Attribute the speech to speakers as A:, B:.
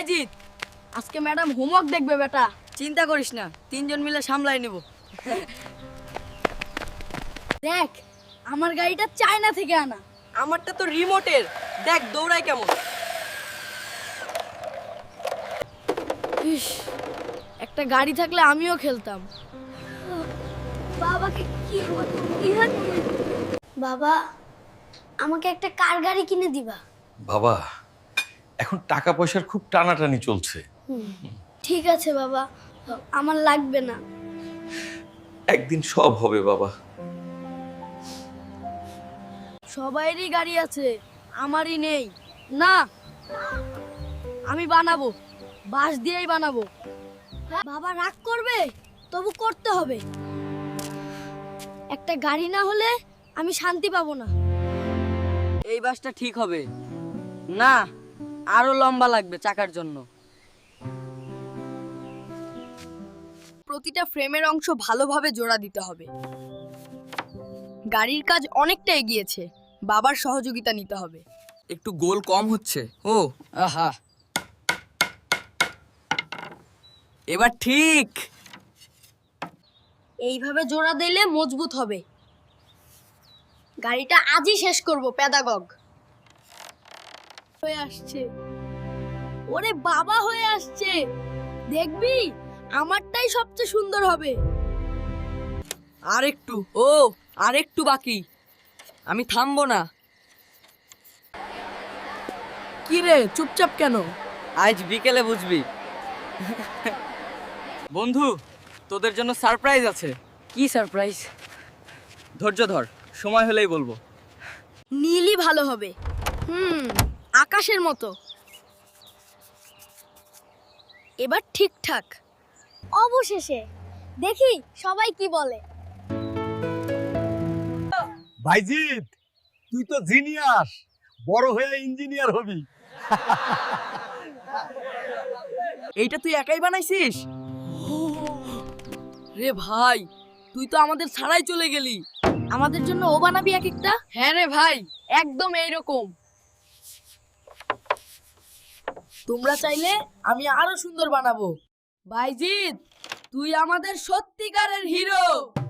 A: বাইজিৎ, আজকে madam homework দেখবে বেটা।
B: চিন্তা করিস না, তিনজন মিলে সামলাই নেব।
A: দেখ, আমার গাড়িটা চায়না থেকে আনা।
B: আমারটা তো রিমোটের, দেখ দৌড়ায় কেমন।
A: ইস, একটা গাড়ি থাকলে আমিও খেলতাম।
C: বাবাকে কি বাবা, আমাকে একটা কার গাড়ি কিনে দিবা?
D: বাবা, এখন টাকা পয়সার খুব টানাটানি চলছে।
C: ঠিক আছে বাবা, আমার লাগবে না।
D: একদিন সব হবে বাবা।
A: সবাইরই গাড়ি আছে, আমারই নেই। না, আমি বানাবো, বাঁশ দিয়েই বানাবো।
C: বাবা রাগ করবে, তবু করতে হবে। একটা গাড়ি না হলে আমি শান্তি পাবো না।
B: এই বাসটা ঠিক হবে না, আরো লম্বা লাগবে চাকার জন্য।
A: প্রতিটা ফ্রেমের অংশ ভালোভাবে জোড়া দিতে হবে। গাড়ির কাজ অনেকটা এগিয়েছে, বাবার সহযোগিতা নিতে হবে।
E: একটু গোল কম হচ্ছে। ও আহা, এবার ঠিক।
A: এইভাবে জোড়া দিলে মজবুত হবে। গাড়িটা আজই শেষ করব প্যাদাগগ। হয়ে আসছে, ওরে বাবা হয়ে আসছে। দেখবি, আমারটাই সবচেয়ে সুন্দর হবে।
B: আরেকটু, ও আরেকটু বাকি, আমি থামবো না।
A: কি রে, চুপচাপ কেন?
B: আজ বিকেলে বুঝবি। বন্ধু, তোদের জন্য সারপ্রাইজ আছে। কি সারপ্রাইজ? ধৈর্য ধর, সময় হলেই বলবো।
A: নীলই ভালো হবে। আকাশের মতো। এবার ঠিকঠাক।
C: অবশেষে দেখি সবাই কি বলে।
F: ভাইজিৎ, তুই তো জিনিয়াস, বড় হয়ে ইঞ্জিনিয়ার হবি।
B: এইটা তুই একাই বানাইছিস?
A: রে ভাই, তুই তো আমাদের ছাড়াই চলে গেলি। আমাদের জন্য ও বানাবি এক একটা? হ্যাঁ রে ভাই, একদম এইরকম। তোমরা চাইলে আমি আরো সুন্দর বানাবো। বাইজিৎ, তুই আমাদের সত্যিকারের হিরো।